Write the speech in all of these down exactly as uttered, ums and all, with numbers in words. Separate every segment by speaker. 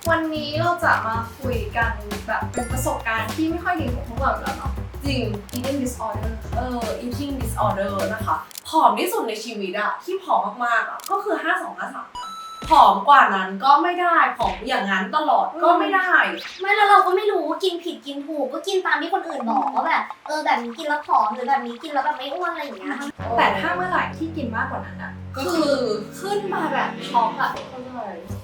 Speaker 1: วันนี้เราจะมาคุยกันแบบเป็นประสบการณ์ที่ไม่ค่อยดีของพวกเราแล้วเนาะ
Speaker 2: จริง
Speaker 1: eating disorder
Speaker 2: เออ eating disorder นะคะผอมที่สุดในชีวิตอะที่ผอมมากๆอะก็คือห้าสองห้าสามนะผอมกว่านั้นก็ไม่ได้ผอมอย่างนั้นตลอดก็ไม่ได้
Speaker 3: ไม่แล้วเราก็ไม่รู้กินผิดกินถูกก็กินตามที่คนอื่นบอกว่าแบบเออแบบนี้กินแล้วผอมหรือแบบนี้กินแล้วแบบไม่อ้วนอะไรอย่างเงี้ย
Speaker 1: แต่ถ้าเมื่อไหร่ที่กินมากกว่านั้นอะ
Speaker 2: ก็คือ
Speaker 1: ขึ้นมาแบบช็อกอะเข้าใจ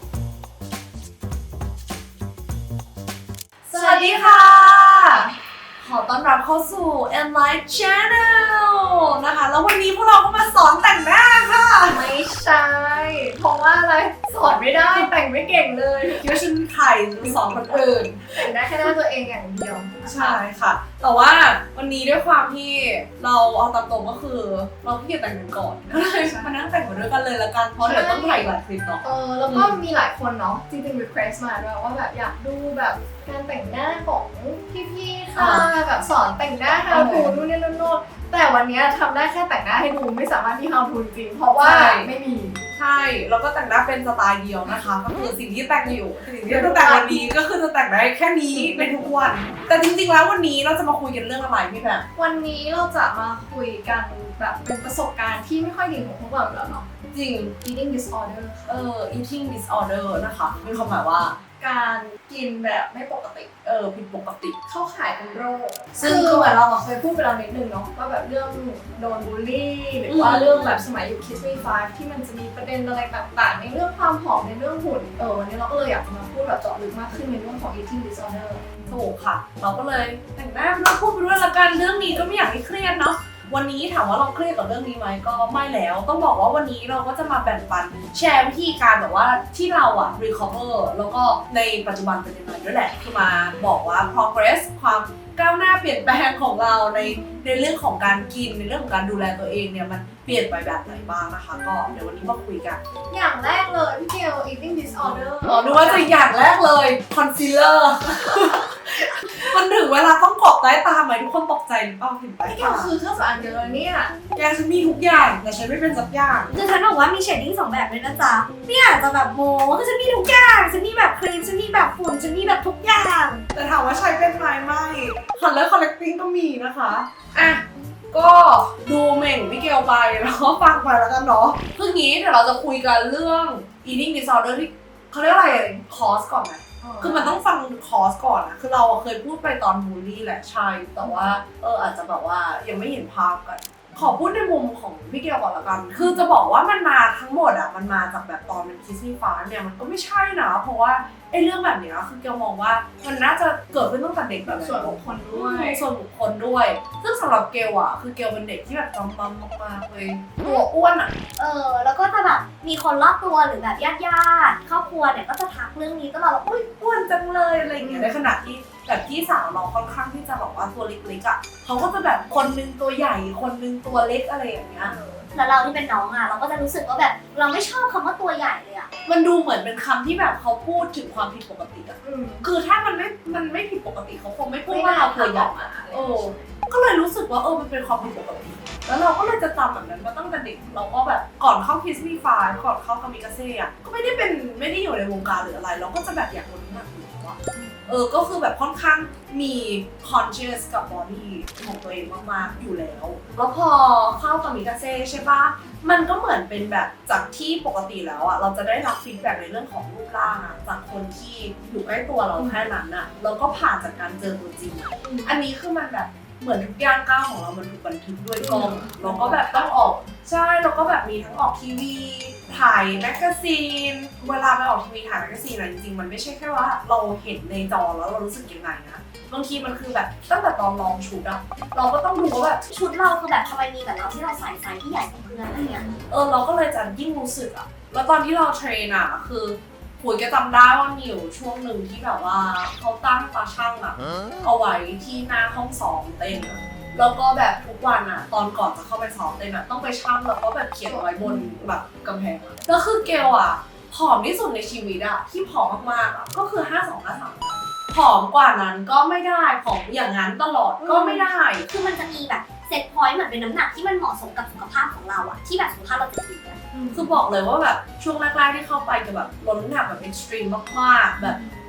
Speaker 2: สวัสดีค่ะ ขอต้อนรับเข้าสู่ Enlight Channel นะคะแล้ววันนี้พวกเราก็มาสอนแต่งหน้าค่ะ
Speaker 1: ไม่ใช่เพราะว่าอะไรสอนไม่ได้แต่งไม่เก่งเลย
Speaker 2: คิดว่าฉันไข่สอนคนอื่น
Speaker 1: แต่งได้แค่หน้าตัวเองอย่างเดียว
Speaker 2: ใช่ค่ะ แต่ว่าวันนี้ด้วยความที่เราเอาตามตรงก็คือเราขี้เกียจแต่งกันก่อนก็เลยมานั่งแต่งมาด้วยกันเลยละกันเพราะเดี๋ยวต้องถ่ายหลายคลิปเนาะ
Speaker 1: เออแล้วก็มีหลายคนเนาะจริงๆ request มาด้วยว่าแบบอยากดูแบบการแต่งหน้าของพี่ๆค่ะแบบสอนแต่งหน้า how to นู่นนี่นั่นโน่นแต่วันนี้ทำได้แค่แต่งหน้าให้ดูไม่สามารถที่ how to จริงเพราะว่าไม่มี
Speaker 2: ใช่แล้วก็แต่งหน้าเป็นสไตล์เดียวนะคะก็คือสิ่งที่แต่งอยู่สิ่งที่จะแต่งวันนี้ก็คือจะแต่งได้แค่นี้ในทุกวันแต่จริงๆแล้ววันนี้เราจะมาคุยกันเรื่องอะไรพี่แบบ
Speaker 1: วันนี้เราจะมาคุยกันแบบเป็นประสบการณ์ที่ไม่ค่อยดีของพวกเราแล้วเนาะ
Speaker 2: จริง
Speaker 1: eating disorder
Speaker 2: เอ่อ eating disorder นะคะมีความหมายว่า
Speaker 1: การกินแบบไม่ปกติ
Speaker 2: เออผิดปกติ
Speaker 1: เข้าข่ายเป็นโรค
Speaker 2: ซึ่
Speaker 1: ซึ่
Speaker 2: ง
Speaker 1: งคือเหมือนเราอะเคยพูดไปแล้วนิดนึงเนาะว่าแบบเรื่องโดนบูลลี่หรือว่าเรื่องแบบสมัยอยู่ Kiss Me Five ที่มันจะมีประเด็นอะไรต่างๆในเรื่องความผอมในเรื่องหุ่นเออวันนี้เราก็เลยอยากจะมาพูดแบบเจาะลึกมากขึ้นในเรื่องของ eating disorder
Speaker 2: ถูกค่ะ เราก็เลยแต่งหน้าไปด้วยพูดไปด้วยละกันเรื่องนี้ก็ไม่อยากให้เครียดเนาะวันนี้ถามว่าเราเครียดกับเรื่องนี้ไหมก็ไม่แล้วต้องบอกว่าวันนี้เราก็จะมาแบ่งปันแชร์วิธีการแบบว่าที่เราอะ recover แล้วก็ในปัจจุบันเป็นยังไงด้วยแหละคือมาบอกว่า progress ความก้าวหน้าเปลี่ยนแปลงของเราในในเรื่องของการกินในเรื่องของการดูแลตัวเองเนี่ยมันเปลี่ยนไปแบบไหนบ้างนะคะก็เดี๋ยววันนี้มาคุยกัน
Speaker 1: อย่างแรกเลยพี่เกล eating disorder
Speaker 2: อ๋อดูว่าจะอย่างแรกเลย concealer มันถึงเวลาต้องกรอบใต้ตาไหมทุกคนตกใจหรือเปล่าเห็นใต้
Speaker 1: พี่เก
Speaker 2: ตา
Speaker 1: ลคือเครื่องสำอางเยอะเนี่ย
Speaker 2: แกฉันมีทุกอย่างแต่ฉันไม่เป็นสักอย่าง
Speaker 3: คือฉันบอกว่ามีเชดดิ้งสองแบบเลยนะจ๊ะไม่อยากจะแบบโม้คือฉันมีทุกอย่างฉันมีแบบครีมฉันมีแบบฝุ่นฉันมีแบบทุกอย่าง
Speaker 2: แต่ถามว่าใช้เป็นไหมไม่คัลเลอร์คอลเลกติ้งก็มีนะคะอ่ะก็ดูเหม่งพี่เกลไปแล้วก็ฟังไปแล้วกันเนาะคืองี้เดี๋ยวเราจะคุยกันเรื่อง eating disorder ที่เขาเรียกอะไรคอสก่อนไหมคือมันต้องฟังคอสก่อนนะคือเราเคยพูดไปตอนบูลลี่แหละใช่แต่ว่าเอออาจจะแบบว่ายังไม่เห็นภาพกัน ขอพูดในมุมของพี่เกลก่อนละกัน คือจะบอกว่ามันมาทั้งหมดอ่ะ มันมาจากแบบตอนเป็นคิสมี่ฟ้าเนี่ยมันก็ไม่ใช่นะ เพราะว่าไอ้เรื่องแบบเนี้ยคือเกลมองว่ามันน่าจะเกิดขึ้นตั้งแต่เด็กแบบ
Speaker 1: ส่วนบุคคลด้วย
Speaker 2: ส่วนบุคคลด้วย ซึ่งสำหรับเกลอ่ะคือเกลเป็นเด็กที่แบบจำปั๊มมากๆเลยตัวอ้วนอ่ะ
Speaker 3: เออแล้วก็จะแบบมีคนรอบตัวหรือแบบญาติญาติๆครอบครัวเนี่ยก็จะทักเรื่องนี้ตลอดว่าอุ้ย
Speaker 2: อ้วนจังเลยอะไรอย่างเงี้ยในขณะที่แบบพี่สาวเราค่อนข้างที่จะแบบว่าตัวเล็กๆอ่ะเขาก็จะแบบคนนึงตัวใหญ่คนนึงตัวเล็กอะไรอย่างเงี้ย
Speaker 3: แล้วเราที่เป็นน้องอ่ะเราก็จะรู้สึกว่าแบบเราไม่ชอบคำว่าตัวใหญ่เลยอ่ะ
Speaker 2: มันดูเหมือนเป็นคำที่แบบเขาพูดถึงความผิดปกติอะ
Speaker 1: อืม
Speaker 2: คือถ้ามันไม่ มันไม่ผิดปกติเขาคงไม่พูดว่าเราตัวใหญ่
Speaker 1: มา
Speaker 2: โอ้ก็เลยรู้สึกว่าเออมันเป็นความผิดปกติ แล้วเราก็เลยจะจำแบบนั้นมาตั้งแต่เด็ก เราก็แบบก่อนเข้าคิสมี่ฟาก่อนเข้ากามิกาเซ่อะก็ไม่ได้เป็นไม่ได้อยู่ในวงการหรืออะไร เราก็จะแบบอยากลดน้ำหนักอยู่แล้วอะเออ ก็คือแบบค่อนข้างมี conscious กับ body ของตัวเองมากๆอยู่แล้ว แล้วพอเข้ากามิกาเซ่ใช่ปะมันก็เหมือนเป็นแบบจากที่ปกติแล้วอะเราจะได้รับฟีดแบ็กในเรื่องของรูปร่างอะจากคนที่อยู่ใกล้ตัวเราแค่นั้นอะแล้วก็ผ่านจากการเจอตัวจริงอะอันนี้คือมันแบบเหมือนทุกย่างก้าวของเรามันถูกบันทึกด้วยกล้องแล้วก็แบบต้องออกใช่แล้วก็แบบมีทั้งออกทีวีถ่ายแมกกาซีนเวลาไปออกทีวีถ่ายแมกกาซีนอะจริงๆมันไม่ใช่แค่ว่าเราเห็นในจอแล้วเรารู้สึกยังไงนะบางทีมันคือแบบตั้งแต่ตอนลองชุดอะเราก็ต้องดูว่าแบบ
Speaker 3: ชุดเราคือแบบทำไมมีแต่เราที่เราใส่ไซส์ที่ใหญ่กว่าเพื่อนอะไรเงี้ย
Speaker 2: เออเราก็เลยจะยิ่งรู้สึกอะแล้วตอนที่เราเทรนอะคือคุยก็จำได้ว่ามีอยู่ช่วงหนึ่งที่แบบว่าเขาตั้งตาช่างอะเอาไว้ที่หน้าห้องซ้อมเต้นอะแล้วก็แบบทุกวันอะตอนก่อนจะเข้าไปซ้อมเต้นอะต้องไปช่างแล้วก็แบบเขียนไว้บนแบบกำแพงอะแล้วคือเกลอะผอมที่สุดในชีวิตอะที่ผอมมากๆอะก็คือห้าสองห้าสามผอมกว่านั้นก็ไม่ได้ผอมอย่างนั้นตลอดก็ไม่ได้
Speaker 3: คือมันจะมีแบบเซตพอยต์เหมือนเป็นน้ำหนักที่มันเหมาะสมกับสุขภาพของเราอะที่แบบสุขภาพเราจะดีอะ
Speaker 2: คือบอกเลยว่าแบบช่วงแรกๆที่เข้าไปจะแบบลดน้ำหนักแบบเอ็กซ์ตรีมมากๆแบบ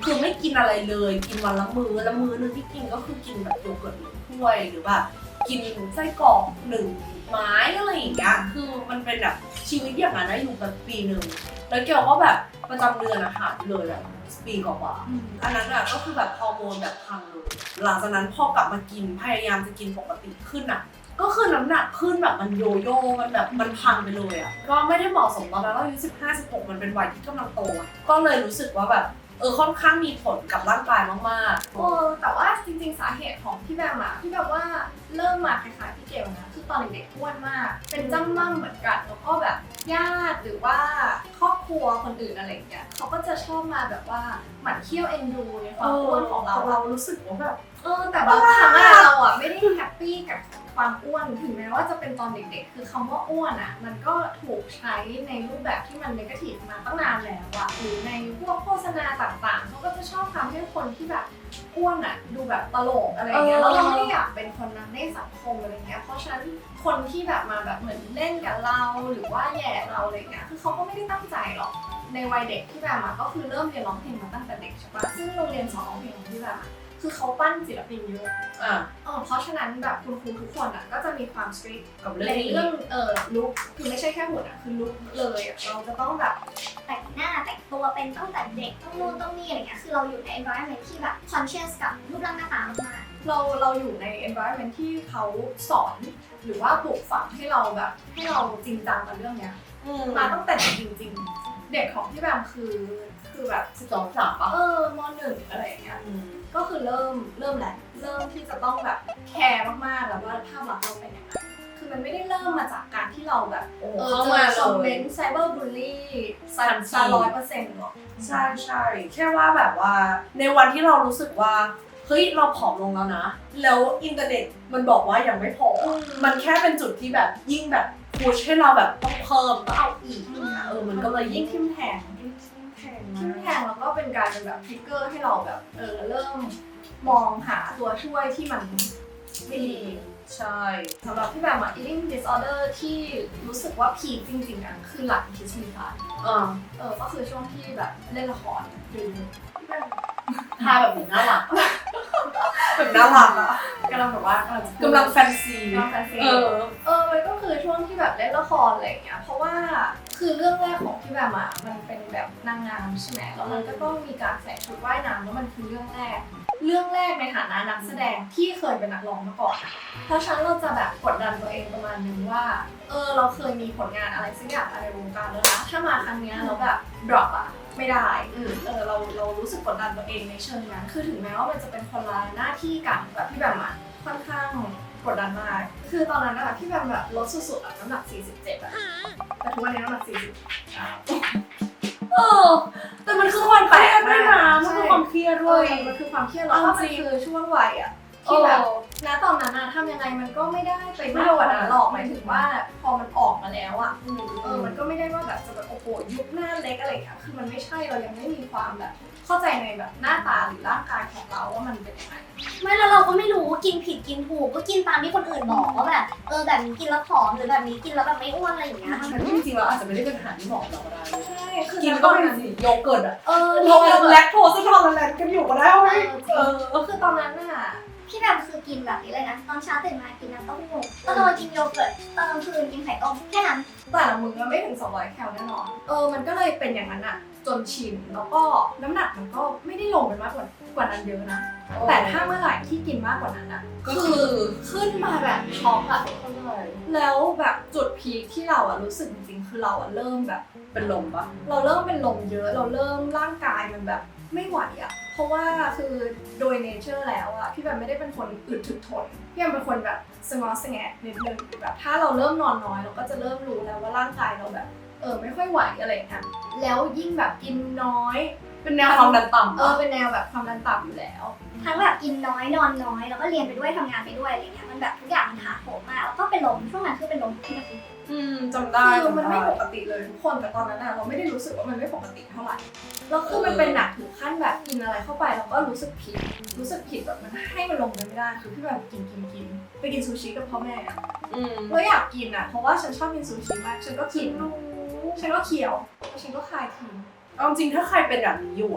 Speaker 2: คือไม่กินอะไรเลยกินวันละมื้อแล้วมื้อนึงที่กินก็คือกินแบบโยเกิร์ตหนึ่งถ้วยหรือว่ากินไส้กรอกหนึ่งไม้อะไรอย่างเงี้ยคือมันเป็นแบบชีวิตอย่างนั้นนะอยู่แบบปีหนึ่งแล้วเกี่ยวก็แบบประจำเดือนอาหารเลยแบบปีกว่าๆอันนั้นอะก็คือแบบฮอร์โมนแบบพังเลยหลังจากนั้นพอกลับมากินพยายามจะกินปกติขึ้นอะก็คือน้ำหนักขึ้นแบบมันโยโย่มันแบบมันพังไปเลยอะก็ไม่ได้เหมาะสมตอนนั้นเราอายุสิบห้าสิบหกมันเป็นวัยที่กำลังโตอะก็เลยรู้สึกว่าแบบเออค่อนข้างมีผลกับร่างกายมากๆ
Speaker 1: เออแต่ว่าจริงๆสาเหตุของพี่แบมอะที่แบบว่าเริ่มมาคล้ายๆพี่เกลนะคือตอนเด็กๆอ้วนมากเป็นจ้ำม่ำเหมือนกันแล้วก็แบบญาติหรือว่าครอบครัวคนอื่นอะไรอย่างเงี้ยเขาก็จะชอบมาแบบว่าหมั่นเคี้ยวเอ็นดูในความอ้วนของเรา
Speaker 2: เรารู้สึกว่าแบบ
Speaker 1: เออแต่บางครั้งอะเราอะไม่ได้แฮปปี้กับความอ้วนถึงแม้ว่าจะเป็นตอนเด็กๆคือคำว่าอ้วนอะมันก็ถูกใช้ในรูปแบบที่มันเนกาทีฟมาตั้งนานแล้วอะหรือในพวกโฆษณาต่างๆเขาก็จะชอบทำให้คนที่แบบอ้วนอะดูแบบตลกอะไรอย่างเงี้ยแล้วเราไม่ได้อยากเป็นคนนั้นในสังคมอะไรเงี้ยเพราะฉะนั้นคนที่แบบมาแบบเหมือนเล่นกับเราหรือว่าแย่เราอะไรเงี้ยคือเขาก็ไม่ได้ตั้งใจหรอกในวัยเด็กที่แบบมาก็คือเริ่มเรียนร้องเพลงมาตั้งแต่เด็กใช่ปะซึ่งโรงเรียนสอนร้องเพลงของพี่แบบคือเขาปั้นศิลปินเยอะ
Speaker 2: อ่ะ
Speaker 1: เออเพราะฉะนั้นแบบคุณครูทุกคนอ่ะก็จะมีความสตรีท
Speaker 2: กับเรื่
Speaker 1: ใน
Speaker 2: องนี้
Speaker 1: เรื่องเออลุคคือไม่ใช่แค่หุ่นอ่ะคือลุคเลยอ่ะเราจะต้องแบบ
Speaker 3: แต่งหน้าแต่งตัวเป็นตั้งแต่เด็กต้องนู่นต้องนี่อะไรเงี้ยคือเราอยู่ใน environment ที่แบบ conscious กับรูปร่างหน้าตามาก
Speaker 1: เราเราอยู่ใน environment ที่เขาสอนหรือว่าปลูกฝังให้เราแบบให้เราจริงจังกับเรื่องเนี้ย
Speaker 2: อืม
Speaker 1: มาตั้งแต่เด็กจริงๆ เด็กของพี่แบมคือคือแบบ
Speaker 2: สิบสองสามปะ
Speaker 1: เออมหนึ่งอะไรอย่างเงี้ย
Speaker 2: อืม
Speaker 1: ก็คือเริ่มเริ่มแหละเริ่มที่จะต้องแบบแคร์มากๆแล้วว่าภาพลักษณ์เราเป็นยังไงคือมันไม่ได้เริ่มมาจากการที่เราแบบ
Speaker 2: โอ้
Speaker 1: เออ
Speaker 2: เข้า
Speaker 1: เจ
Speaker 2: มา
Speaker 1: อคอมเม
Speaker 2: เลย
Speaker 1: นต์ไซเบอร์บูลลี่ซัน
Speaker 2: ทันที
Speaker 1: ซาร้อยเปอร์เซ็นต์หรอก
Speaker 2: ใช่ใช่แค่ว่าแบบว่าในวันที่เรารู้สึกว่าเฮ้ยเราผอมลงแล้วนะ แล้วอินเทอร์เน็ตมันบอกว่ายังไม่พออมันแค่เป็นจุดที่แบบยิ่งแบบพุชให้เราแบบต้องเพิ่มต้องเอาอีกเออมันก็เลยยิ่
Speaker 1: ยิ่
Speaker 2: ง
Speaker 1: งทิมแทง
Speaker 2: ยิ่งแพง
Speaker 1: ทิมแทงแล้วก็เป็นการเป็นแบบทริกเกอร์ให้เราแบบเออเริ่มมองหาตัวช่วยที่มันไม่ดี
Speaker 2: ใช่
Speaker 1: สำหรับพี่แบบอะ eating disorder ที่รู้สึกว่าพีคจริงๆอะคือหลังคิสมีพาย
Speaker 2: อ่า
Speaker 1: เออก็คือช่วงที่แบบเล่นละครคือพี่แบบ
Speaker 2: ทาแบบเหมือนน่ารักแบบน่ารักอะ
Speaker 1: กำลังแบบว่ากำลัง
Speaker 2: กำลังแฟนซี
Speaker 1: กำลังแฟนซี
Speaker 2: เออ
Speaker 1: เออมันก็คือช่วงที่แบบเล่นละครอะไรอย่างเงี้ยเพราะว่าคือเรื่องแรกของพี่แบบอะมันเป็นแบบนางงามใช่ไหมแล้วมันก็ต้องมีการใส่ชุดว่ายน้ำแล้วมันคือเรื่องแรก เรื่องแรกในฐานะนักแสดงที่เคยเป็นนักร้องมาก่อนอะเพราะฉะนั้นเราจะแบบกดดันตัวเองประมาณนึงว่าเออเราเคยมีผลงานอะไรสักอย่างอะไรในวงการแล้วนะถ้ามาครั้งเนี้ยเราแบบ drop อะไม่ได้
Speaker 2: อืม
Speaker 1: เออเราเรารู้สึกกดดันตัวเองในเชิงนั้น คือถึงแม้ว่ามันจะเป็นคนละหน้าที่กันแบบพี่แบบอะค่อนข้างกดดันมาก คือตอนนั้นอะพี่แบบแบบลดสุดๆอะน้ำหนักสี่สิบเจ็ดอะแต่ทุกวันนี้น้ำหนักสี่สิบ
Speaker 2: เออแต่มันคือความเครียดด้วยนะมันคือความเครียด
Speaker 1: เอ
Speaker 2: ด้วย
Speaker 1: อมันคือความเครียดแล้วก็มันคือช่วงวัยอะที่แบบ ณตอนนั้นอะทำยังไงมันก็ไม่ได้ไปมากกว่านั้นหรอกหมายถึงว่าพอมันออกมาแล้วอะเออมันก็ไม่ได้ว่าแบบจะแบบโอ้โหยุบหน้าเล็กอะไรอย่างเงี้ยคือมันไม่ใช่เรายังไม่มีความแบบเข้าใจในแบบหน้าตาหรือร่างกายของเราว่ามันเป็นยังไง
Speaker 3: ไม่แล้วเราก็ไม่รู้กินผิดกินถูกก็กินตามที่คนอื่นบอกว่าแบบเออแบบนี้กินแล้วผอมหรือแบบนี้กินแล้วแบบไม่อ้วนอะไรอย่างเงี้ย
Speaker 2: แต่จริงๆเราอาจจะไม่ได้เป็นอาหารที่เหมาะกับเราก็ได้
Speaker 1: ใช่คือ
Speaker 2: กิน
Speaker 1: ณ
Speaker 2: ก็
Speaker 1: ตอน
Speaker 2: เป็น
Speaker 1: นั้น
Speaker 2: สิโยเกิร์ตอะ
Speaker 1: เออ
Speaker 2: เรา
Speaker 1: เรา
Speaker 2: แลคโทสทอลแลนกันอยู่ก็ได้เว้ยเออ
Speaker 1: ก็คือตอนนั้นน่ะ
Speaker 3: พี่แบบคือกินแบบนี้เลยนะตอนเช้าตื่นมากินน้ำเต้าหู้ตอนกลางวันกินโยเกิร์ตตอนกลางคืนกินไข่ต้มแค่นั้น
Speaker 1: แต่ละมื้อไม่ถึงสองร้อยแคลแน่นอน เออ มันก็เลยเป็นอย่างนั้นอะจนชิน แล้วก็น้ำหนักมันก็ไม่ได้ลงไปมากกว่ากว่านั้นเยอะนะ แต่ถ้าเมื่อไหร่ที่กินมากกว่านั้นอะ
Speaker 2: ก็คือ
Speaker 1: ขึ้นมาแบบช็อกอะแล้วแบบจุดพีคที่เราอะรู้สึกจริงๆ คือเราอะเริ่มแบบ
Speaker 2: เป็นลมปะ
Speaker 1: เราเริ่มเป็นลมเยอะ เราเริ่มร่างกายมันแบบไม่ไหวอะเพราะว่าคือโดยเนเจอร์แล้วอะพี่แบบไม่ได้เป็นคนอึดถึกทน พี่แบบเป็นคนแบบสงอสงแงะนิดนึงแบบถ้าเราเริ่มนอนน้อยเราก็จะเริ่มรู้แล้วว่าร่างกายเราแบบเออไม่ค่อยไหวอะไรอย่างเงี้ยแล้วยิ่งแบบกินน้อย
Speaker 2: เป็นแนวความดันต่ำ
Speaker 1: เออเป็นแนวแบบความดันต่ำอยู่แล้ว
Speaker 3: ทั้งแบบกินน้อยนอนน้อยแล้วก็เรียนไปด้วยทำงานไปด้วยอะไรเงี้ยมันแบบทุกอย่างมันถาโถมมากแล้วก็เป็นลมช่วงนั้นคือเป็นลมที่มัน
Speaker 2: อืมจำได้
Speaker 1: คือมัน
Speaker 2: จำ
Speaker 1: ไม่
Speaker 2: ได้
Speaker 1: ปกติเลยทุกคนแต่ตอนนั้นอะเราไม่ได้รู้สึกว่ามันไม่ปกติเท่าไหร่แล้วคือมันเป็นหนักถึงขั้นแบบกินอะไรเข้าไปแล้วก็รู้สึกผิดรู้สึกผิดแบบมันให้มันลงกันไม่ได้คือพี่แบบกินกินกินไปกินซูชิกับพ่อแม่อะ
Speaker 2: อืม
Speaker 1: เราอยากกินอะเพราะว่าฉันชอบกินซูชิมากฉันก็กินฉันก็เคี้ยวแล้วฉันก็คายทิ้ง
Speaker 2: เอาจริงถ้าใครเป็นแบบนี้อยู่อะไอ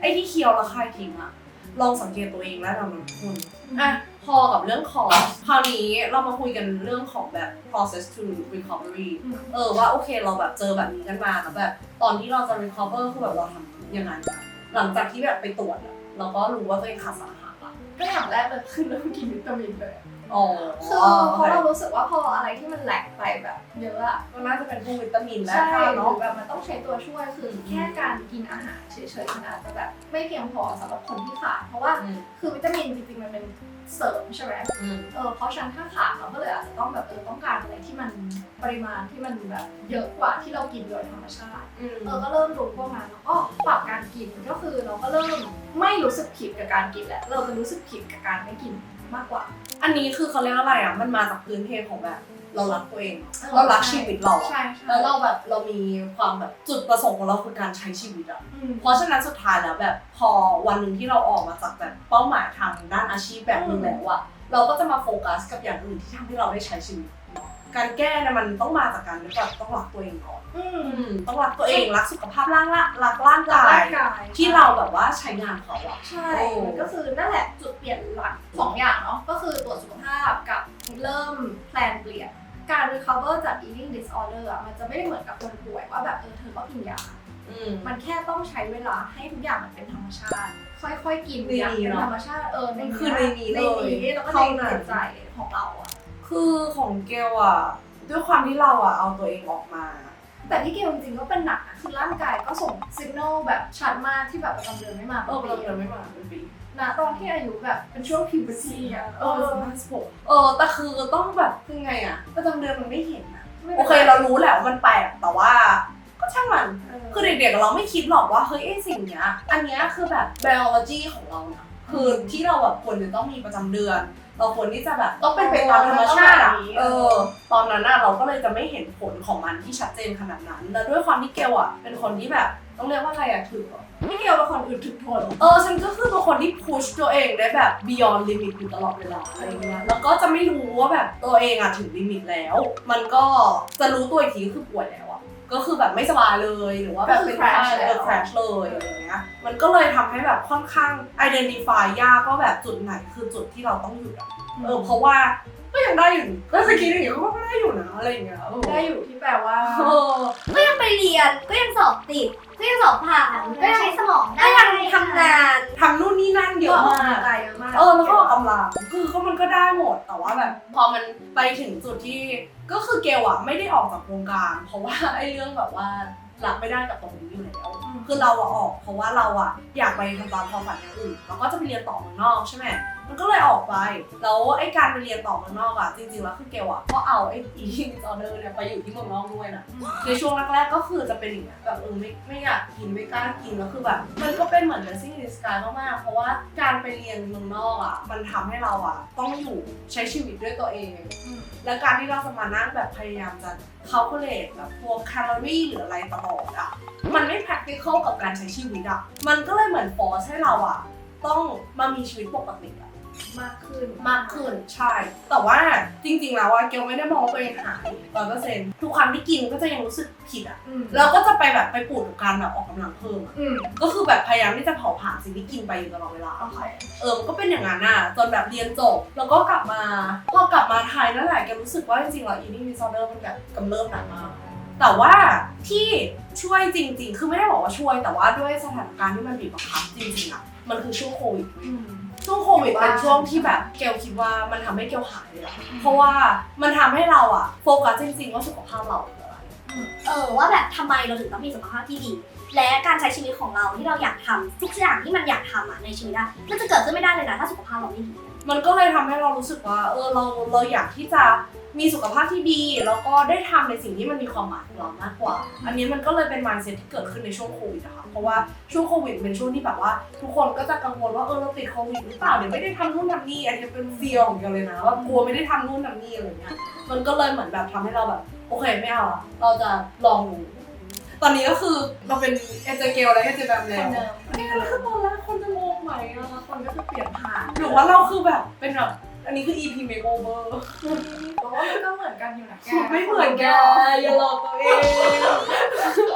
Speaker 2: อ้ที่เคี้ยวแล้วคายทิ้งอะลองสังเกตตัวเองแล้วเราทุกคนอ่ะพอกับเรื่องของคราวนี้เรามาคุยกันเรื่องของแบบ process to recovery เออว่าโอเคเราแบบเจอแบบนี้กันมาแล้วแบบตอนที่เราจะ recover คือแบบเราทำยังไงกันหลังจากที่แบบไปตรวจอะเราก็รู้ว่าตัวเองขาดสารอาหารละ
Speaker 1: ก็อย่างแรกเลยคือเริ่มกินวิตามินเลย
Speaker 2: อ๋อ
Speaker 1: คือเพราะเรารู้สึกว่าพออะไรที่มันแหลกไปแบบเยอะอะ
Speaker 2: ก็น่าจะเป็นพวกวิตามินและ
Speaker 1: ใช่
Speaker 2: ธาตุ
Speaker 1: หรื
Speaker 2: เนาะ
Speaker 1: อแบบมันต้องใช้ตัวช่วยคือแค่การกินอาหารเฉยๆมันอาจจะแบบไม่เพียงพอสำหรับคนที่ขาดเพราะว่าคือวิตามินจริงๆมันเป็นเสริมใช่ไหม
Speaker 2: อืม
Speaker 1: เออเพราะฉะนั้นถ้าขาดเราก็เลยอาจจะต้องแบบเออต้องการอะไรที่มันปริมาณที่มันแบบเยอะกว่าที่เรากินโดยธรรมชาติ
Speaker 2: อืม
Speaker 1: เออก็เริ่มรู้พวกนั้นแล้วก็ปรับการกินก็คือเราก็เริ่มไม่รู้สึกผิดกับการกินแหละเราจะรู้สึกผิดกับการไม่กินมากกว่า
Speaker 2: อันนี้คือเขาเรียกอะไรอ่ะมันมาจากพื้นเพของแบบเรารักตัวเอง
Speaker 1: เออ
Speaker 2: เรารักชีวิตเรา
Speaker 1: ใช่ใช่
Speaker 2: แล้วเราแบบเรามีความแบบจุดประสงค์ของเราคือการใช้ชีวิตอ่ะ
Speaker 1: อืม
Speaker 2: เพราะฉะนั้นสุดท้ายแล้วแบบพอวันหนึ่งที่เราออกมาจากแบบเป้าหมายทางด้านอาชีพแบบนึงแล้วอะเราก็จะมาโฟกัสกับอย่างอื่นที่ทำให้เราได้ใช้ชีวิตเนาะการแก้เนี่ยมันต้องมาจากการแบบต้องรักตัวเองก่อน
Speaker 1: อืม
Speaker 2: อืมต้องรักตัวเองรักสุขภาพร่างละรักร่างกาย
Speaker 1: ร่างกาย
Speaker 2: ที่เราแบบว่าใช้งานเขาอะ
Speaker 1: ใช่
Speaker 2: โอ้
Speaker 1: มันก็คือนั่นแหละจุดเปลี่ยนหลักสองอย่างเนาะก็คือตรวจสุขภาพกับเริ่มแพลนเปลี่ยนการ recover จาก eating disorder อะมันจะไม่ได้เหมือนกับคนป่วยว่าแบบเออเธอก็กินยา
Speaker 2: อืม
Speaker 1: มันแค่ต้องใช้เวลาให้ทุกอย่างมันเป็นธรรมชาติ ค่อยๆกิน
Speaker 2: ใน
Speaker 1: อย่าง
Speaker 2: นี้
Speaker 1: เป็น
Speaker 2: เนอะ
Speaker 1: ธรรมชาติเออใน
Speaker 2: คือในนี้เลย
Speaker 1: ในนี้แล้วก็ใน
Speaker 2: เท่านั้น
Speaker 1: จิตใจของเราอะ
Speaker 2: คือของเกลอะด้วยความที่เราอะเอาตัวเองออกมา
Speaker 1: แต่ที่เกลจริงๆก็เป็นหนักนะคือร่างกายก็ส่งสัญญาณแบบชัดมากที่แบบประจำเดือนไม่มา
Speaker 2: เออ
Speaker 1: ป็น
Speaker 2: เรา
Speaker 1: ปี
Speaker 2: เดินไม่มาเป็นปี
Speaker 1: นะตอนที่อายุแบบเป็นช่วง puberty อะ
Speaker 2: เออสิบห้าสิบหกเออแต่คือต้องแบบคือไงอะประจำเดือนมันไม่เห็นอะ
Speaker 1: ไม่
Speaker 2: โอ
Speaker 1: ป็น
Speaker 2: เค
Speaker 1: ไร
Speaker 2: เรารู้แหละว่ามันแปลกแต่ว่าก็ช่างมัน
Speaker 1: เออ
Speaker 2: คือเด็กๆเราไม่คิดหรอกว่าเฮ้ยไอ้สิ่งเนี้ยอันเนี้ยคือแบบ biology ของเรานะคือที่เราแบบควรจะต้องมีประจำเดือน เราควรที่จะแบบต้องเป็นไปตามธรรมชาติอะเออตอนนั้นน่ะเราก็เลยจะไม่เห็นผลของมันที่ชัดเจนขนาดนั้นแล้วด้วยความที่เกลอะเป็นคนที่แบบต้องเรียกว่าอะไรอะถือ
Speaker 1: พี่เกลเป็นคนอื่นถึงทน
Speaker 2: เออฉันก็คือเป็นคนที่ push ตัวเองได้แบบ beyond limit อยู่ตลอดเวลาอะไรเงี้ยแล้วก็จะไม่รู้ว่าแบบตัวเองอะถึงลิมิตแล้ว มันก็จะรู้ตัวอีกทีก็คือป่วยแล้วอะก็คือแบบไม่สบายเลยหรือว่าแบบเป็น crash เออ crash เลยอะไรเงี้ยมันก็เลยทำให้แบบค่อนข้าง identify ยากว่าแบบจุดไหนคือจุดที่เราต้องหยุดอะเออเพราะว่าก็ยังได้อยู่ก็สกีอย่างเงี้ยก็ได้อยู่นะอะไรอย่างเงี้ยเออ
Speaker 1: ได้อยู่ที่แปลว่า
Speaker 2: เออ
Speaker 3: ก็ยังไปเรียนก็ยังสอบติดก็ยังสอบผ่านก็ยังใช้สมองได้
Speaker 2: ก็ยังทำงานทำนู่นนี่นั่นเยอะมาก
Speaker 1: ใจเยอะมาก
Speaker 2: เออแล้วก็ออกกำลังคือก็มันก็ได้หมดแต่ว่าแบบพอมันไปถึงจุดที่ก็คือเกลอะไม่ได้ออกจากวงการเพราะว่าไอ้เรื่องแบบว่ารับไม่ได้กับตรงนี้อยู่แล้วคือเราอะออกเพราะว่าเราอะอยากไปทำตามความฝันอย่างอื่นแล้วก็จะไปเรียนต่อเมืองนอกใช่ไหมมันก็เลยออกไปแล้วไอ้การไปเรียนต่อเมืองนอกอะจริงๆแล้วคือเกลอะก็เอาไอ้ eating disorder เนี่ยไปอยู่ที่เมืองนอกด้วยนะในช่วงแรกๆก็คือจะเป็นอย่างเงี้ยแบบเออไม่ไม่อยากกินไม่กล้ากินแล้วคือแบบมันก็เป็นเหมือน blessing in disguise มากๆเพราะว่าการไปเรียนเมืองนอกอะมันทำให้เราอะต้องอยู่ใช้ชีวิตด้วยตัวเอง และการที่เราจะมานั่งแบบพยายามจะ calculate แบบพวกแคลอรี่หรืออะไรตลอดอะมันไม่ practical กับการใช้ชีวิตอะมันก็เลยเหมือน force ให้เราอะต้องมามีชีวิตปกติอะ
Speaker 1: มากขึ้น
Speaker 2: มากขึ้นใช่ แต่ว่าจริงๆแล้วอะเกลไม่ได้มองว่าตัวเองหายร้อยเปอร์เซ็นต์ทุกครั้งที่กินก็จะยังรู้สึกผิดอะ
Speaker 1: อืม
Speaker 2: แล้วก็จะไปแบบไปปูดกับการแบบออกกำลังเพิ่มอะ
Speaker 1: อืม
Speaker 2: ก็คือแบบพยายามที่จะเผาผลาญสิ่งที่กินไปอยู่ตลอดเวลา
Speaker 1: โอเค
Speaker 2: เออมันก็เป็นอย่างนั้นน่ะจนแบบเรียนจบแล้วก็กลับมาพอกลับมาไทยนั่นแหละแกรู้สึกว่าจริงๆแล้ว eating disorder มันแบบกำเริบหนักมากแต่ว่าที่ช่วยจริงๆคือไม่ได้บอกว่าช่วยแต่ว่าด้วยสถานการณ์ที่มันบีบบังคับจริงๆอ่ะมันคือช่วงโควิด
Speaker 1: อืม
Speaker 2: ช่วงโควิดเป็นช่วงที่แบบเกลคิดว่ามันทำให้เกลหายเลยอะเพราะว่ามันทำให้เราอะโฟกัสจริงๆว่าสุขภาพเราเป็นอะไร
Speaker 3: เออว่าแบบทำไมเราถึงต้องมีสุขภาพที่ดี และการใช้ชีวิตของเราที่เราอยากทำทุกอย่างที่มันอยากทำอ่ะในชีวิตอะมันจะเกิดขึ้นไม่ได้เลยนะถ้าสุขภาพเราไม่ดี
Speaker 2: มันก็เลยทำให้เรารู้สึกว่าเออเราเราอยากที่จะมีสุขภาพที่ดีแล้วก็ได้ทำในสิ่งที่มันมีความหมายของเรามากกว่า อันนี้มันก็เลยเป็น mindset ที่เกิดขึ้นในช่วงโควิดนะคะเพราะว่าช่วงโควิดเป็นช่วงที่แบบว่าทุกคนก็จะกังวลว่าเออเราติดโควิดหรือเปล่าเดี๋ยวไม่ได้ทำนู่นทำนี่อันนี้เป็นเฟียร์ของเกลเลยนะว่ากลัวไม่ได้ทำนู่นทำนี่อะไรเงี้ยมันก็เลยเหมือนแบบทำให้เราแบบโอเคไม่เอาอะเราจะลองดูตอนนี้ก็คือเราเป็นเอเจเกลและเอเจแบม
Speaker 1: ค
Speaker 2: แล้ว
Speaker 1: นเดิม
Speaker 2: นี่แล้วคือตอนแรกคนจะงงไหมอะ
Speaker 1: คนก็คือเปลี่ยนผ่าน
Speaker 2: หรือว่าเราคือแบบเป็นแบบอันนี้คือ อี พี makeover
Speaker 1: เพราะว่ามันก็เหมือนกันอยู่นะแก
Speaker 2: ไม่เหมือนแกอย่าหลอกตัวเอง อ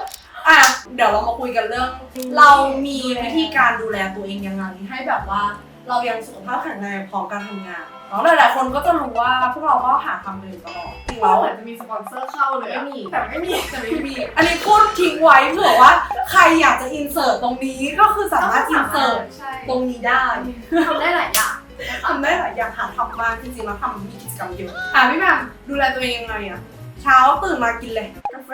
Speaker 2: อ่ะเดี๋ยวเรามาคุยกันเรื่อง เรามีวิธีการดูแลตัวเองยังไงให้แบบว่าเรายังสุขภาพแข็งแรงพร้อมการทำงานเนาะหลายๆคนก็จะรู้ว่าพวกเราก็หาทำกันอยู่ตลอดจริง
Speaker 1: เรา
Speaker 2: แล้ว
Speaker 1: เหมือนจะมีสปอนเซอร์เข้าเลย
Speaker 2: ไม่มี
Speaker 1: แต่ไม่มี
Speaker 2: แต่ไม่มีอันนี้พูดทิ้งไว้เผื่อว่าใครอยากจะอินเสิร์ตตรงนี้ก็คือสามารถอินเสิร์ต
Speaker 1: ใช่
Speaker 2: ตรงนี้ได้
Speaker 1: ทำได้หลายอย่าง
Speaker 2: ทำได้หลายอย่างหาทำมากจริงๆแล้วทำมีกิจกรรมเยอะอ่ะพี่แหม่มดูแลตัวเองยังไงอะเช้าตื่นมากินเลยกาแฟ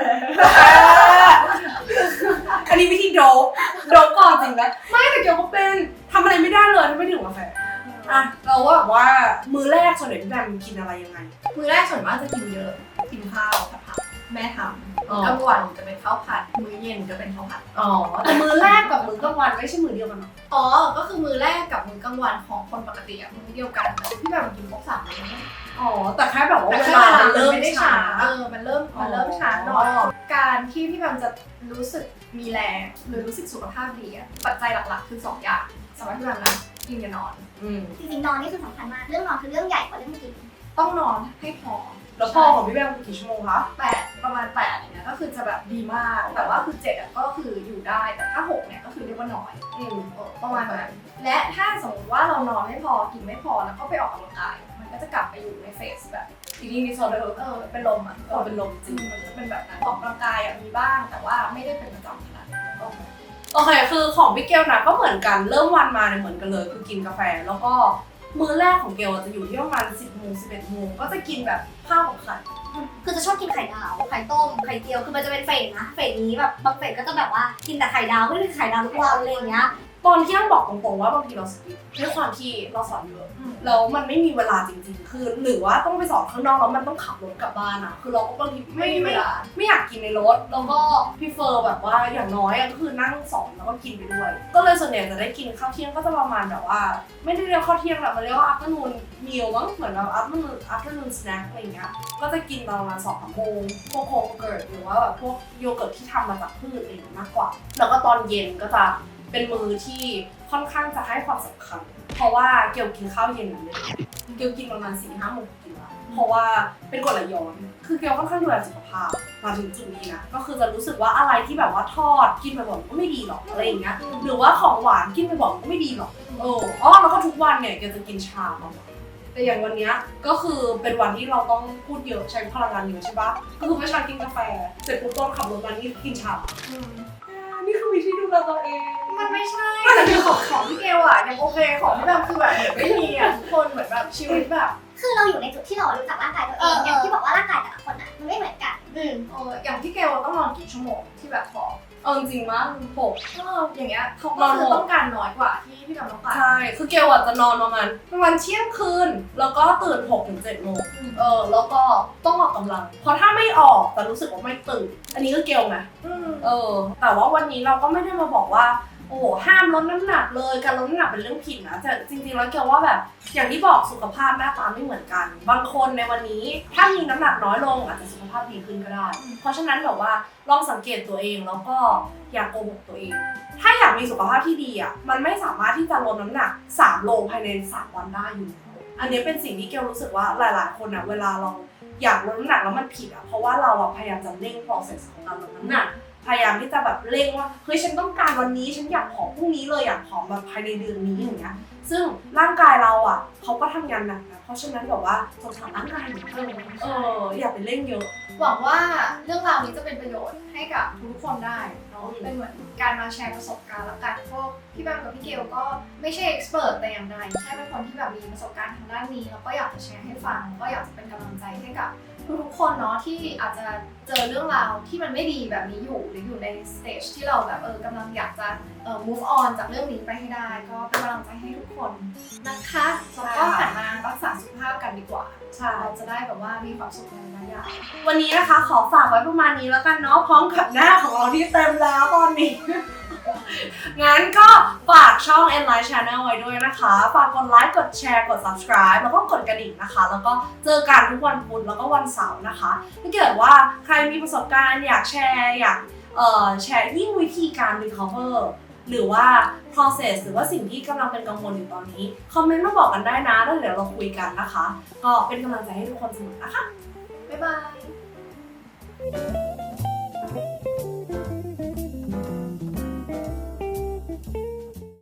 Speaker 2: อันนี้วิธีโดบโดบก่อนจริงนะไม่แต่เกี่ยวก็เป็นทำอะไรไม่ได้เลยถ้าไม่ดื่มกาแฟอ่ะเราว่าแบบว่ามื้อแรกส่วนใหญ่พี่แหม่มกินอะไรยังไง
Speaker 1: มื้อแรกส่วนมากจะกินเยอะกินข้าวผัดผักแม่ท
Speaker 2: อ๋อ
Speaker 1: ำกลางวันจะเป็นข้าวผัดมื้อเย็นจะเป็นข้าวผัด
Speaker 2: อ๋อแต่มื้อแรกกับมื้อกลางวันไม่ใช่มื้อเดียวกันหรอ
Speaker 1: อ๋อก็คือมื้อแรกกับมื้อกลางวันของคนปกติอะมื้อเดียวกันแต่พี่แบบกินครบสามมื้อ
Speaker 2: อ๋อแต่แค่แบบว่า
Speaker 1: แต่
Speaker 2: เว
Speaker 1: แค่
Speaker 2: ลา
Speaker 1: เวลา
Speaker 2: มัน
Speaker 1: เริ่
Speaker 2: เริ่
Speaker 1: ม
Speaker 2: ม
Speaker 1: ไม่ได้
Speaker 2: ช้า
Speaker 1: ช้าเออมันเริ่มมันเริ่มช้าหน่อย
Speaker 2: อ๋อ
Speaker 1: การที่พี่แบบจะรู้สึกมีแรงหรือรู้สึกสุขภาพดีอะปัจจัยหลักๆคือสองอย่างสำหรับพี่แบบนะกินกับนอน
Speaker 2: อืม
Speaker 3: จริงๆนอนนี่คือสำคัญมากเรื่องนอนคือเรื่องใหญ่กว่าเรื่องกิน
Speaker 1: ต้องนอนให้พอ
Speaker 2: แล้วพ่อของพี่แบมกี่ชั่วโมงคะ
Speaker 1: แปดประมาณแปดอย่างเงี้ยก็คือจะแบบดีมากแต่ว่าคือเจ็ดอะก็คืออยู่ได้แต่ถ้าหกเนี่ยก็คือเรียกว่าน้อย
Speaker 2: อืม
Speaker 1: เออประมาณนั้นและถ้าสมมติว่าเรานอนไม่พอกินไม่พอแล้วก็ไปออกกำลังกายมันก็จะกลับไปอยู่ในเฟสแบบ
Speaker 2: ทีนี้มีโซเดอร์
Speaker 1: เออเป็นลมอ่ะ
Speaker 2: เออเป็นลมจริง
Speaker 1: มันจะเป็นแบบนั้นออกกำลังกายอ่ะมีบ้างแต่ว่าไม่ได้เป็นประจำขนาดนั้นก็
Speaker 2: โอเคคือของพี่เกลนะก็เหมือนกันเริ่มวันมาเนี่ยเหมือนกันเลยคือกินกาแฟแล้วก็มื้อแรกของเกลจะอยู่ที่ประมาณสิบโมงสิบเอ็ดโมงก็จะกินแบบข้าวกับไข่
Speaker 3: คือจะชอบกินไข่ดาว ไข่ต้ม ไข่เจียว คือมันจะเป็นเฟสนะ เฟสนี้แบบบางเฟสก็จะแบบว่ากินแต่ไข่ดาวไม่ได้กินไข่ดาวทุกวันอะไรอย่างเงี้ย
Speaker 2: ตอนเที่ยงบอกตรงๆว่าบางทีเราสกิปด้วยความที่เราสอนเยอะแล้วมันไม่มีเวลาจริงๆ คือหรือว่าต้องไปสอนข้างนอกแล้วมันต้องขับรถกลับบ้านอะคือเราก็บางที
Speaker 1: ไม่
Speaker 2: ไม่
Speaker 1: มีเว
Speaker 2: ไม่
Speaker 1: ลา
Speaker 2: ไม่อยากกินในรถแล้วก็พี่เฟอร์แบบว่าอย่างน้อยอะก็คือนั่งสอนแล้วก็กินไปด้วย ก็เลยส่วนใหญ่จะได้กินข้าวเที่ยงก็จะประมาณแบบว่า ไม่ได้เรียกข้าวเที่ยงหรอกมันเรียกว่า afternoon meal มั้งเหมือนแบบ afternoon afternoon snack อะไรอย่างเงี้ยก็จะกินตอนประมาณสองสามโมงพวกโคเกิร์ตหรือว่าแบบพวกโยเกิร์ตที่ทำมาจากพืชอะไรอย่างเงี้ยมากกว่า แล้วก็ตอนเย็นก็จะเป็นมื้อที่ค่อนข้างจะให้ความสำคัญเพราะว่าเกี่ยวกินข้าวเย็นเลยเกี่ยวกินประมาณสี่ห้าโมงกินละเพราะว่าเป็นกรดไหลย้อนคือเกี่ยวค่อนข้างดูแลสุขภาพมาถึงจุดนี้นะก็คือจะรู้สึกว่าอะไรที่แบบว่าทอดกินบ่อยๆก็ไม่ดีหรอกอะไรอย่างเงี้ยหรือว่าของหวานกินบ่อยๆก็ไม่ดีหรอกเอออ๋อแล้วก็ทุกวันเนี่ยเกี่ยวจะกินชาประมาณแต่อย่างวันเนี้ยก็คือเป็นวันที่เราต้องพูดเยอะใช้พลังงานเยอะใช่ปะก็คือเมื่อเช้ากินกาแฟเสร็จปุ๊บตอนขับรถมานี่กินชานี่คือวิธีดูแลตัวเอง
Speaker 1: มันไม่ใช่แต่คือของของพี่เกลอ่ะยังโอเคของพี่แบบคือแบบเหมือนไม่มีอ่ะทุกคนเหมือนแบบชีวิตแบบ
Speaker 3: คือเราอยู่ในจุดที่เรารู้จักร่างกายตัวเองอย่างที่บอกว่าร่างกายแต่ละคนอ่ะมันไม่เหมือนกัน
Speaker 1: อืมเอออย่างพี่เกลต้องนอนกี่ชั่วโมงที่แบบบอก
Speaker 2: เออจริงมั้ยหก
Speaker 1: เอออย่างเงี้ยเขาก็คือต้องการน้อยกว่าที่พี่แบบต้องการ
Speaker 2: ใช่คือเกลอ่ะจะนอนประมาณประมาณเที่ยงคืนแล้วก็ตื่นหกถึงเจ็ดโมงเออแล้วก็ต้องออกกำลังเพราะถ้าไม่ออกแต่รู้สึกว่าไม่ตื่นอันนี้ก็เกลไง
Speaker 1: อืม
Speaker 2: เออแต่ว่าวันนี้เราก็ไม่ได้มาบอกว่าโอ้โหห้ามลดน้ำหนักเลยการลดน้ำหนักเป็นเรื่องผิดนะแต่จริงๆแล้วเกลว่าแบบอย่างที่บอกสุขภาพหน้าตาไม่เหมือนกัน บางคนในวันนี้ถ้ามีน้ำหนักน้อยลงอาจจะสุขภาพดีขึ้นก็ได้ เพราะฉะนั้นแบบว่าลองสังเกตตัวเองแล้วก็อย่าโกหกตัวเอง ถ้าอยากมีสุขภาพที่ดีอ่ะมันไม่สามารถที่จะลดน้ำหนักสามโลภายในสามวันได้อยู่แล้วอันนี้เป็นสิ่งที่เกลรู้สึกว่าหลายๆคนอ่ะเวลาเราอยากลดน้ำหนักแล้วมันผิดอ่ะเพราะว่าเราอ่ะพยายามจะเร่ง process ของการลดน้ำหนักพยายามที่จะแบบเร่งว่าเฮ้ยฉันต้องการวันนี้ฉันอยากผอมพรุ่งนี้เลยอยากผอมแบบภายในเดือนนี้อย่างเงี้ยซึ่งร่างกายเราอ่ะเขาก็ทำงานหนักนะเพราะฉะนั้นแบบว่าสงสารร่างกายเหมือนกันเอออย่าไปเร่งเยอะ
Speaker 1: หวังว่าเรื่องราวนี้จะเป็นประโยชน์ให้กับทุกคนได้เนาะเป็นเหมือนการมาแชร์ประสบการณ์แล้วกันพวกพี่แบมกับพี่เกลก็ไม่ใช่เอ็กซ์เพรสแต่อย่างใดแค่เป็นคนที่แบบมีประสบการณ์ทางด้านนี้แล้วก็อยากจะแชร์ให้ฟังก็อยากจะเป็นกำลังใจให้กับทุกๆคนเนาะที่อาจจะเจอเรื่องราวที่มันไม่ดีแบบนี้อยู่หรืออยู่ในสเตจที่เราแบบเออกำลังอยากจะเอ่อ move on จากเรื่องนี้ไปให้ได้ก็เป็นกำลังใจให้ทุกคนนะคะแล้วก็หันมารักษาสุขภาพกันดีกว่า
Speaker 2: ใช่
Speaker 1: เราจะได้แบบว่ามีความสุขในระยะยาว
Speaker 2: วันนี้นะคะขอฝากไว้ประมาณนี้แล้วกันเนาะพร้อมกับหน้าของเราที่เต็มแล้วตอนนี้ งั้นก็ฝากช่อง Enlight Channel ไว้ด้วยนะคะ ฝากกดไลค์ กดแชร์ กด subscribe แล้วก็กดกระดิ่งนะคะ แล้วก็เจอกันทุกวันพุธแล้วก็วันเสาร์นะคะ ถ้าเกิดว่าใครมีประสบการณ์อยากแชร์อยากเอ่อแชร์ยิ่งวิธีการ recover หรือว่า process หรือว่าสิ่งที่กำลังเป็นกังวลอยู่ตอนนี้ คอมเมนต์มาบอกกันได้นะแล้วเดี๋ยวเราคุยกันนะคะ ก็เป็นกำลังใจให้ทุกคนเสมอนะคะ
Speaker 1: บ๊ายบาย